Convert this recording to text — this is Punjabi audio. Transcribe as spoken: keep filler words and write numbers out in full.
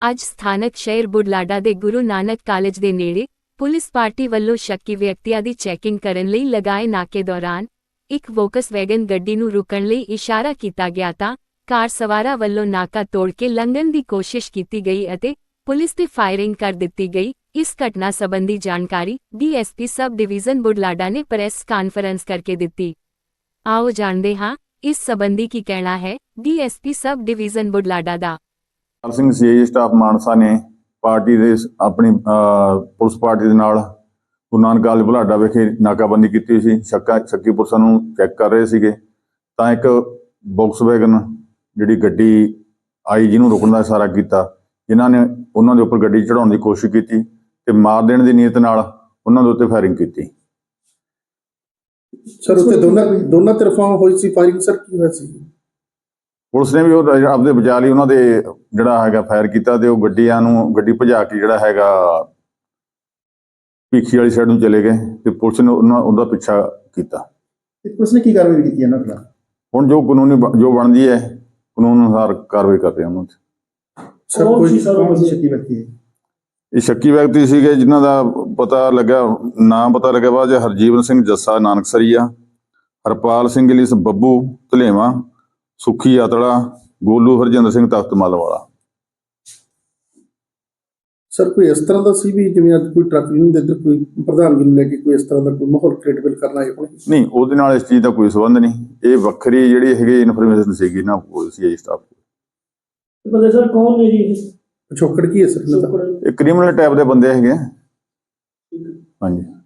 ਅੱਜ ਸਥਾਨਕ ਸ਼ਹਿਰ ਬੁਢਲਾਡਾ ਦੇ ਗੁਰੂ ਨਾਨਕ ਕਾਲਜ ਦੇ ਨੇੜੇ ਪੁਲਿਸ ਪਾਰਟੀ ਵੱਲੋਂ ਸ਼ੱਕੀ ਵਿਅਕਤੀਆਂ ਦੀ ਚੈਕਿੰਗ ਕਰਨ ਲਈ ਲਗਾਏ ਨਾਕੇ ਦੌਰਾਨ ਇੱਕ ਵੋਕਸਵੈਗਨ ਗੱਡੀ ਨੂੰ ਰੁਕਣ ਲਈ ਇਸ਼ਾਰਾ ਕੀਤਾ ਗਿਆ ਤਾਂ ਕਾਰ ਸਵਾਰਾਂ ਵੱਲੋਂ ਨਾਕਾ ਤੋੜ ਕੇ ਲੰਘਣ ਦੀ ਕੋਸ਼ਿਸ਼ ਕੀਤੀ ਗਈ ਅਤੇ ਪੁਲਿਸ ਤੇ ਫਾਇਰਿੰਗ ਕਰ ਦਿੱਤੀ ਗਈ। ਇਸ ਘਟਨਾ ਸੰਬੰਧੀ ਜਾਣਕਾਰੀ ਡੀਐਸਪੀ ਸਬ ਡਿਵੀਜ਼ਨ ਬੁਢਲਾਡਾ ਨੇ ਪ੍ਰੈਸ ਕਾਨਫਰੰਸ ਕਰਕੇ ਦਿੱਤੀ। ਆਓ ਜਾਣਦੇ ਹਾਂ ਇਸ ਸੰਬੰਧੀ ਕੀ ਕਹਿਣਾ ਹੈ ਡੀਐਸਪੀ ਸਬ ਡਿਵੀਜ਼ਨ ਬੁਢਲਾਡਾ ਦਾ। ਪਾਲ ਸਿੰਘ ਸੀਆਈ ਸਟਾਫ ਮਾਨਸਾ ਨੇ ਪਾਰਟੀ ਦੇ ਆਪਣੀ ਪੁਲਿਸ ਪਾਰਟੀ ਦੇ ਨਾਲ ਗੁਰੂ ਨਾਨਕ ਕਾਲਜ ਬੁਢਲਾਡਾ ਵਿਖੇ ਨਾਕਾਬੰਦੀ ਕੀਤੀ ਸੀ। ਸ਼ੱਕਾ ਸ਼ੱਕੀ ਪੁਰਸ਼ਾਂ ਨੂੰ ਚੈੱਕ ਕਰ ਰਹੇ ਸੀਗੇ ਤਾਂ ਇੱਕ ਵੋਕਸਵੈਗਨ ਜਿਹੜੀ ਗੱਡੀ ਆਈ ਜਿਹਨੂੰ ਰੁਕਣ ਦਾ ਇਸ਼ਾਰਾ ਕੀਤਾ। ਜਿਨ੍ਹਾਂ ਨੇ ਉਹਨਾਂ ਦੇ ਉੱਪਰ ਗੱਡੀ ਚੜਾਉਣ ਦੀ ਕੋਸ਼ਿਸ਼ ਕੀਤੀ ਤੇ ਮਾਰ ਦੇਣ ਦੀ ਨੀਅਤ ਨਾਲ ਉਹਨਾਂ ਦੇ ਉੱਤੇ ਫਾਇਰਿੰਗ ਕੀਤੀ। ਸਰ ਉੱਤੇ ਦੋਨਾਂ ਦੋਨਾਂ ਤਰਫਾਂ ਹੋਈ ਸੀ ਫਾਇਰਿੰਗ। ਸਰ ਕੀ ਹੋਇਆ ਸੀ? ਪੁਲਿਸ ਨੇ ਵੀ ਉਹ ਆਪਦੇ ਬਚਾ ਲਈ ਉਹਨਾਂ ਦੇ ਜਿਹੜਾ ਹੈਗਾ ਫਾਇਰ ਕੀਤਾ ਤੇ ਉਹ ਗੱਡੀਆਂ ਨੂੰ ਗੱਡੀ ਭਜਾ ਕੇ ਜਿਹੜਾ ਹੈਗਾ ਭੀਖੀ ਵਾਲੀ ਸਾਈਡ ਨੂੰ ਚਲੇ ਗਏ ਤੇ ਪੁਲਿਸ ਨੇ ਉਹਨਾਂ ਉਹਦਾ ਪਿੱਛਾ ਕੀਤਾ। ਪੁਲਿਸ ਨੇ ਕੀ ਕਾਰਵਾਈ ਕੀਤੀ ਇਹਨਾਂ ਖਿਲਾਫ? ਹੁਣ ਜੋ ਕਾਨੂੰਨੀ ਜੋ ਬਣਦੀ ਹੈ ਕਾਨੂੰਨ ਅਨੁਸਾਰ ਕਾਰਵਾਈ ਕਰ ਰਹੇ ਉਹਨਾਂ ਤੇ। ਸਰ ਕੋਈ ਸ਼ੱਕੀ ਵਿਅਕਤੀ ਹੈ? ਇਹ ਸ਼ੱਕੀ ਵਿਅਕਤੀ ਸੀਗੇ ਜਿਨ੍ਹਾਂ ਦਾ ਪਤਾ ਲੱਗਾ ਨਾਮ ਪਤਾ ਲੱਗਿਆ ਬਾਅਦ ਹਰਜੀਵਨ ਸਿੰਘ ਜੱਸਾ ਨਾਨਕਸਰੀਆ, ਹਰਪਾਲ ਸਿੰਘ ਲਿਸ ਬੱਬੂ ਧਲੇਵਾ, ਸੁੱਖੀ ਆਤੜਾ, ਗੋਲੂ ਹਰਜਿੰਦਰ ਸਿੰਘ ਤਖਤਮਲ ਵਾਲਾ। ਸਰ ਕੋਈ ਇਸ ਤਰ੍ਹਾਂ ਦਾ ਸੀ ਵੀ ਜਿਵੇਂ ਅੱਜ ਕੋਈ ਟਰੱਕ ਯੂਨੀਅਨ ਦੇ ਇੱਧਰ ਕੋਈ ਪ੍ਰਧਾਨਗੀ ਨੂੰ ਲੈ ਕੇ ਕੋਈ ਇਸ ਤਰ੍ਹਾਂ ਦਾ ਕੋਈ ਮਾਹੌਲ ਕ੍ਰੀਏਟ ਕਰਨਾ ਹੈ? ਨਹੀਂ, ਉਹਦੇ ਨਾਲ ਇਸ ਚੀਜ਼ ਦਾ ਕੋਈ ਸੰਬੰਧ ਨਹੀਂ। ਇਹ ਵੱਖਰੀ ਜਿਹੜੀ ਹੈਗੀ ਇਨਫੋਰਮੇਸ਼ਨ ਸੀਗੀ ਨਾ ਸੀ ਸਟਾਫ ਕੋਲ। ਸਰ ਕੌਣ ਨੇ ਜੀ ਪਿਛੋਕੜ ਕੀ ਹੈ ਸਰ? ਇਹ ਕ੍ਰਿਮੀਨਲ ਟਾਈਪ ਦੇ ਬੰਦੇ ਹੈਗੇ। ਹਾਂਜੀ।